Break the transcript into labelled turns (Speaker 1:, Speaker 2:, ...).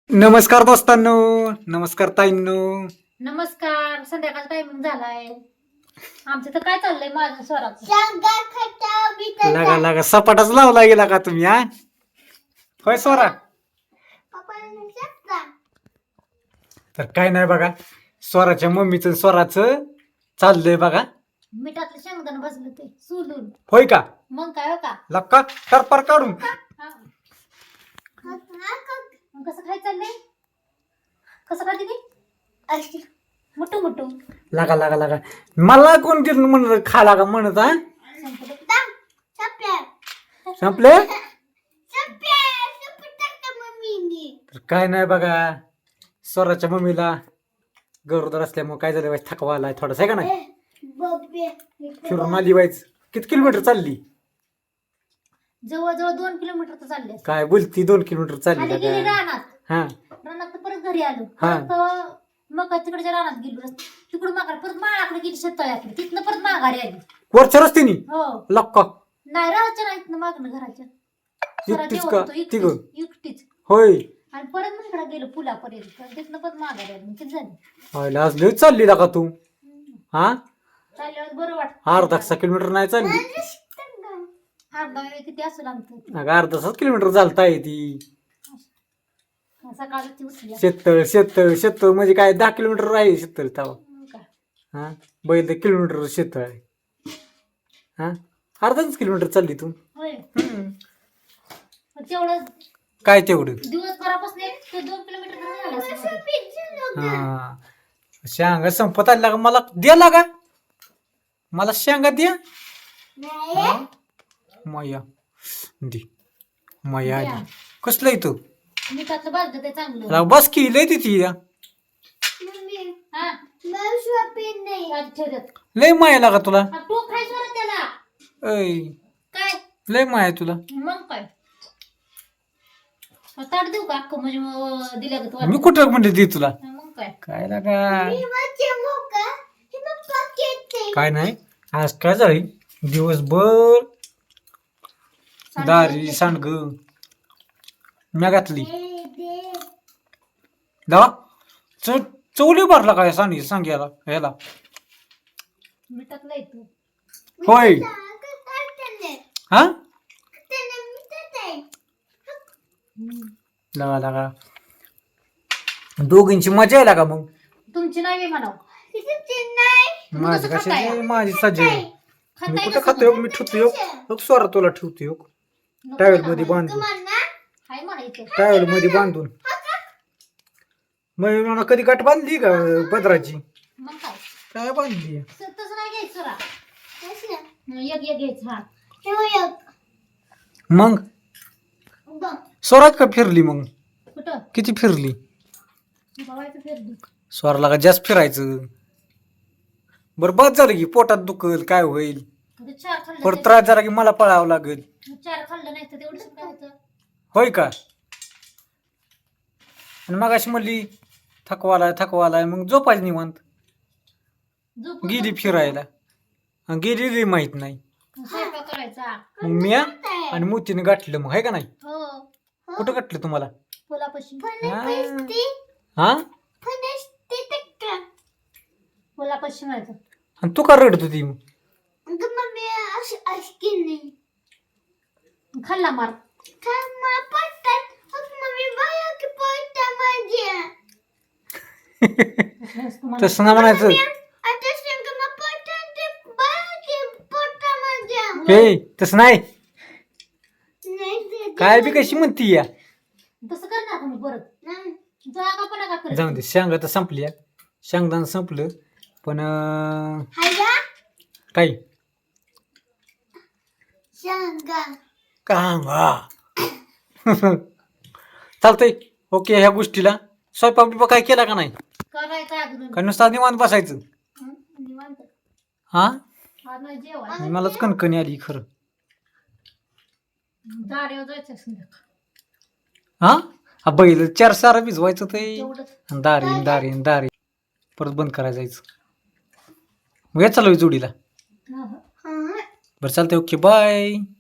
Speaker 1: नमस्कार दोस्तांनो, नमस्कार ताईंनो.
Speaker 2: नमस्कार. संध्याकाळचा टायमिंग झालाय. आमचं तर काय चाललंय माझं स्वराचं.
Speaker 1: लागा लागा सपाटाच लावला गेला का तुम्ही हा? होय स्वरा. तर काय नाही बघा, स्वराच्या मम्मीचं स्वराचं चाललंय बघा.
Speaker 2: मिठातलं शेंगदाणा बसलं ते सोलून.
Speaker 1: होय का?
Speaker 2: मग काय हो का?
Speaker 1: लक्का टरपर काढून.
Speaker 2: हा. मग कसं काय चाललंय? कसं काय दिदी? मुठू मुठू
Speaker 1: लागा लागा लागा मला कोण दिलं म्हणत खा लागा म्हणत हा? संपले? तर काय नाही बघा, स्वराच्या मम्मीला गरोदर असल्यामुळे काय झालं व्हायचं, थकवा आलाय थोडासा आहे का नाही. फिरून आली व्हायच. किती किलोमीटर चालली?
Speaker 2: जवळजवळ 2 किलोमीटर तर चालले.
Speaker 1: काय बोलती 2 किलोमीटर चालली
Speaker 2: आधी
Speaker 1: का
Speaker 2: गेली
Speaker 1: काय?
Speaker 2: रानात.
Speaker 1: हा
Speaker 2: रानात परत घरी आलो.
Speaker 1: हा.
Speaker 2: परत मग तिकडच्या रानात गेलो. तिकडून माघार परत माळाकडे गेली शेततळ्याकडे. तिथनं परत माघारी आली.
Speaker 1: वरच्या रस्त्यानी
Speaker 2: हो.
Speaker 1: लक्का
Speaker 2: नाही राहायच्या नाहीत ना मागणं घराच्या. जरा
Speaker 1: एकटीच
Speaker 2: जेवत
Speaker 1: का?
Speaker 2: होतो, एकटीच
Speaker 1: तिघं?
Speaker 2: एकटीच.
Speaker 1: होय.
Speaker 2: आणि परत मग इकडे गेलो पुलापर्यंत. तिथनं परत माघारी आली. किती झाली?
Speaker 1: आज लय चालली का तू हा?
Speaker 2: चालल्यावर बरं वाटत.
Speaker 1: अर्धा किलोमीटर नाही चालली.
Speaker 2: अर्धा वेळ किती असेल आमचं.
Speaker 1: अगं अर्धा किलोमीटर चालताय ती.
Speaker 2: सकाळची उचली.
Speaker 1: शेततळ शेततळ शेततळ म्हणजे काय 10 किलोमीटर आहे शेततळ तवा.
Speaker 2: काय
Speaker 1: हा बैल 1 किलोमीटर शेततळ आहे. हा अर्धाच किलोमीटर चालली तू.
Speaker 2: होय. तेवढं
Speaker 1: काय तेवढं
Speaker 2: दिवसभरापासून ते 2 किलोमीटर झालं असेल.
Speaker 1: हा शेंगा संपत आल्या का मला द्या लागा. मला शेंगा द्या. हा? माया दे माया आली. कसलं येतो
Speaker 2: मिठातलं भाजलं ते चांगलं.
Speaker 1: बस की लय तिथे
Speaker 2: हा. आधी ठेवतात.
Speaker 1: लय माया लागा तुला.
Speaker 2: हा, तो खायचं बरं त्याला.
Speaker 1: ऐ
Speaker 2: काय
Speaker 1: लय माया तुला.
Speaker 2: मग काय ताट देऊ का अख्खं म्हणजे मग दिल्या का
Speaker 1: मी कुठं म्हणते दे तुला.
Speaker 2: मग काय
Speaker 1: काय लागा काय नाही. आज काय झाली दिवसभर दारी सांडग म्या घातली. दवा चवली भरला काय सांग्याला ह्याला.
Speaker 2: मिठातलं येतो.
Speaker 1: होय हा लागा लागा दोघींची मजा आहे का मग.
Speaker 2: तुमची नाही बी म्हणाव.
Speaker 1: माझी
Speaker 2: कसं खाताय?
Speaker 1: कशी माझी सज्ज आहे. मी
Speaker 2: खाताय
Speaker 1: कुठं
Speaker 2: कसं
Speaker 1: खातो मी ठेवतो योग स्वरा तुला ठेवतो योग
Speaker 2: नको
Speaker 1: टावेल
Speaker 2: म्हणा
Speaker 1: मध्ये
Speaker 2: मला.
Speaker 1: बांधून
Speaker 2: हाय म्हणायचं.
Speaker 1: टावेल मध्ये बांधून. मग मला कधी गाठ बांधली का पदराची
Speaker 2: मग काय
Speaker 1: काय बांधली.
Speaker 2: तसं नाही घ्यायचं रा. एक एक घ्यायचं. हा
Speaker 1: मग स्वरात का फिरली मग
Speaker 2: कुठं
Speaker 1: किती फिरली.
Speaker 2: बघायचं फिरली.
Speaker 1: स्वराला का जास्त फिरायचं. बरं बस झालं की पोटात दुखल काय होईल.
Speaker 2: आता 4 खाल्लं
Speaker 1: परत त्रास झाला की मला पळावं लागेल.
Speaker 2: 4 खाल्लं नाही तर तेवढं काय होतं.
Speaker 1: होय का. आणि मग अशी म्हणली थकवालाय मग झोपायचं निवांत.
Speaker 2: झोपून
Speaker 1: गेली
Speaker 2: झोपून
Speaker 1: फिरायला आणि गेली माहित नाही.
Speaker 2: स्वयंपाक करायचा.
Speaker 1: मग मी आणि मोतीने गाठलं मग आहे का नाही.
Speaker 2: हो
Speaker 1: कुठं गाठलं तुम्हाला.
Speaker 2: फुलापाशी.
Speaker 1: हा
Speaker 2: फुलापाशी म्हणायचं.
Speaker 1: आणि तू का रडत होती मग.
Speaker 2: खाल्ला मार.
Speaker 1: तसं ना म्हणायचं. हे तसं नाही काय बी कशी म्हणती या.
Speaker 2: तसं करणार तुम्ही परत. जागा पण नका करत.
Speaker 1: जाऊ दे शेंगा तर संपली शेंगदाण संपलं पण काय कांगा चालतंय. ओके ह्या गोष्टीला स्वयंपाक बिपाक काय केला का नाही.
Speaker 2: करायचं अजून.
Speaker 1: का नुसता निवांत बसायचं.
Speaker 2: निवांत.
Speaker 1: हा
Speaker 2: आज नाही जेवण.
Speaker 1: मलाच कणकणी आली खरं.
Speaker 2: दारेवर जायचं संध्याकाळ.
Speaker 1: हा बैल 4 सारा भिजवायचं ते
Speaker 2: तेवढंच.
Speaker 1: दारी परत बंद करायला जायचं. मग या चालू जोडीला.
Speaker 2: हा, हा.
Speaker 1: बरं चालतंय ओके बाय.